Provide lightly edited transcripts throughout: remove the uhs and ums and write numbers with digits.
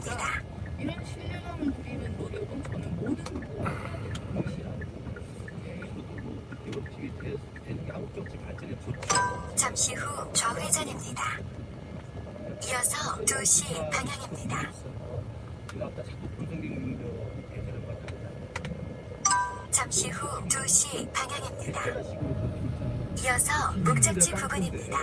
회장입니다. 이런 신뢰감을 드리는 노력은 저는 모든 것이라고 잠시 후 좌회전입니다. 이어서 2시 방향입니다. 잠시 후 2시 방향입니다. 이어서 목적지 부근입니다.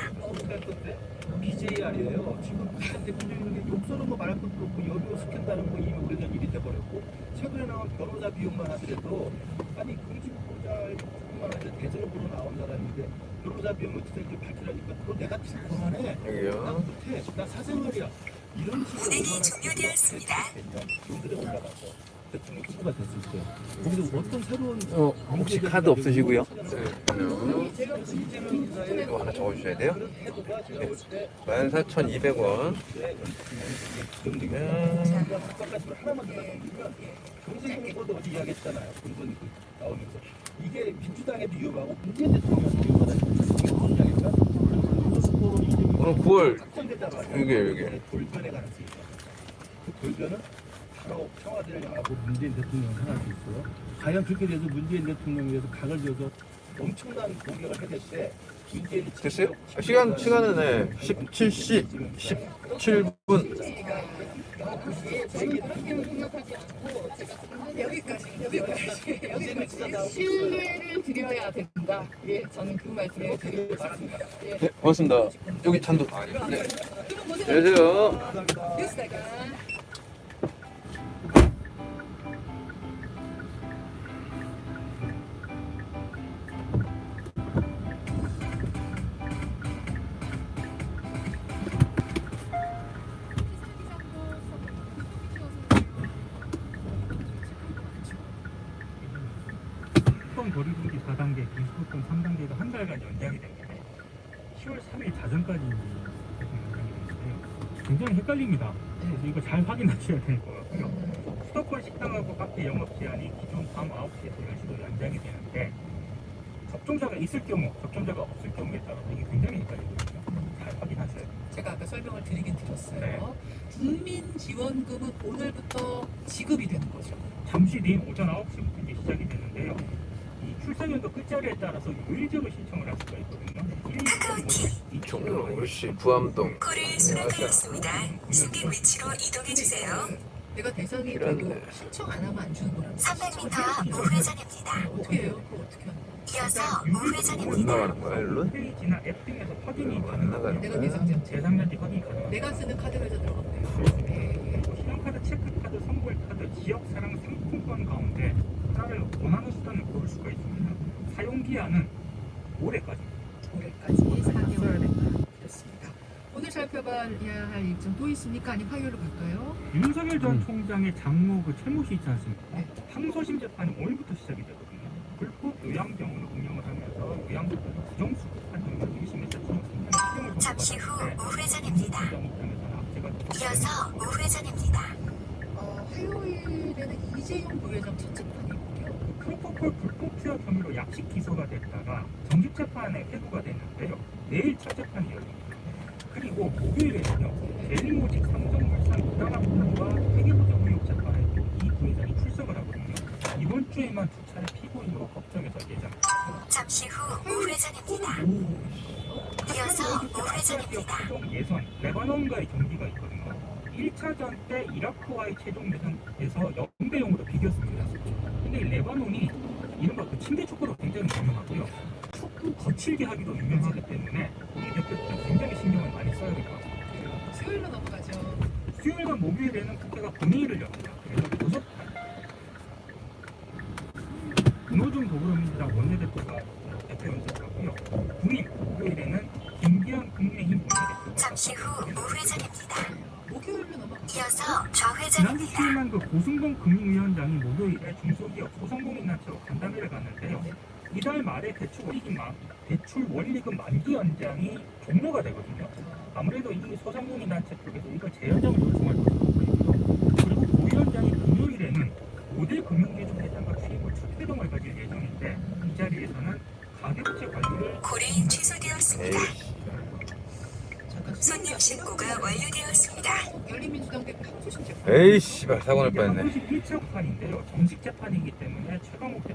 BJR이에요. 지금 부산 대통령이 욕설은 뭐 말할 것도 없고 여기로 시킨다는 거 이미 오래전 일이 돼버렸고 최근에 나온 변호사 비용만 하더라도 아니 금지보호자뿐만 아니라 대전을 보러 나온 사람인데 변호사 비용 어떻게 될지 밝히라니까 그거 내가 그만해. 여기요. 나 못해. 나 사생활이야. 이런 식으로 운행이 종료되었습니다. 분들에 올라가서 대통령 후보가 됐을 때 거기서 어떤 새로운 혹시 카드 없으시고요? 네. 이거 하나 적어주셔야 돼요. 네. 14,200원. 경제정보도 어제 이야기했잖아요. 본선 나오면서 이게 민주당에도 위험하고 문재인 대통령한테 위험하다. 오늘 9월 확정되다가 여기. 돌변에 가능성이 있다. 그 돌변은 바로 청와대를 향하고 문재인 대통령을 향할 수 있어요. 과연 그렇게 돼서 문재인 대통령에 대해서 각을 줘서 엄청난 공격을 해댈 때 문재인이 됐어요? 시간은 네. 17시 17분. 여기까지 신뢰를 드려야 된다. 예, 저는 그 말씀을 드리고 싶습니다. 예. 네, 고맙습니다. 여기 잔도. 네. 안녕하세요. 뉴스다가 수도권 거리두기 4단계, 비수도권 3단계가 한 달간 연장이 됩니다. 10월 3일 자정까지 연장이 되는데요. 굉장히 헷갈립니다. 그래서 이거 잘 확인하셔야 될 것 같고요. 수도권 식당하고 카페 영업 제한이 기존 밤 9시에서 10시로 연장이 되는데 접종자가 있을 경우, 접종자가 없을 경우에 따라서 이게 굉장히 헷갈리거든요. 잘 확인하셔야 돼요. 제가 아까 설명을 드리긴 드렸어요. 네. 국민지원금은 오늘부터 지급이 되는 거죠. 잠시 뒤인 오전 9시부터 이제 시작이 되는데요. 이 출생연도 끝자리에 따라서 요일제로 신청을 할 수가 있거든요. 종로시 부암동. 코를 수락하였습니다. 승객 위치로 이동해주세요. 내가 대상이 이런 돼도 신청 안 하면 안 주는 거라고. 300m 앞 우회전입니다. 어떻게 해요? 그거 어떻게 하는 거야? 이어서 못 우회전입니다. 나가는 거야, 일로? 홈페이지나 앱 등에서 확인이 안 나가는 가능하고요. 내가 거야? 대상자. 대상자지 확인이 가능합니다. 내가 쓰는 카드로 해서 들어가면 돼요. 그리고 신용카드, 체크카드, 선불카드, 지역사랑 상품권 가운데 하나를 원하는 수단을 고를 수가 있습니다. 사용기한은 올해까지. 올해까지 4개월 그렇습니다. 오늘 살펴봐야 할 일정 또 있습니까? 아니면 화요일로 갈까요? 윤석열 전 총장의 장모 그 채무시 있지 않습니까? 네. 항소심 재판이 오늘부터 시작이 되거든요. 불법 요양병원을 운영을 하면서 요양병원 부정수급한 혐의로 1심에서 지금 잠시 후 우회전입니다. 이어서 우회전입니다. 화요일에는 이재용 부회장 첫 재판이고요. 프로포폴 불법 투약 혐의로 약식 기소가 됐다가 정식 재판에 회부가 됐는데요. 내일 첫 재판이 열립니다. 그리고 목요일에는요. 대리모직 삼성물산 부당합법과 회계부정 의혹 재판에 이 부회장이 출석을 하거든요. 이번 주에만 두 차례 피고인으로 법정에서 예정입니다. 잠시 후 우회전입니다. 이어서 우회전입니다. 최종 예선 레바논과의 경기가 있거든요. 1차전 때 이라크와의 최종 예선에서 0대0으로 비겼습니다. 근데 이 레바논이 이른바 그 침대 축구로 굉장히 유명하고요. 축구 거칠게 하기도 유명하기 때문에 이 대표팀 굉장히 신경을 많이 써야 될 것 같습니다. 수요일로 넘어가죠. 수요일과 목요일에는 국회가 본회의를 엽니다. 그래서 5판 윤호중 더불어민주당 원내대표가 대표 연설하고요. 국민 목요일에는 김기현 국민의힘 원내대표. 잠시 후 우회전입니다. 목요일로 넘어가죠. 이어서 지난주 좌회전입니다. 수요일만 그 고승동 금융위원장이 목요일에 중소기업 소상공인단체로 간담회를 갔는데요. 이달 말에 대출 원리금 만기 연장이 종료가 되거든요. 아무래도 이 소상공인단체 쪽에서 이걸 재연장을 요청할 것으로 보이고요. 그리고 고 위원장이 금요일에는 5대 금융기준 회장과 취임을 첫 회동을 가질 예정인데 이 자리에서는 가계부채 관리를 고레인 취소되었습니다. 잠깐 손님 신고가 완료되었습니다. 열린민주당 대표 항소심 재판 에이 씨발 사고 날 뻔했네. 1차 판인데요. 정식 재판이기 때문에 최강욱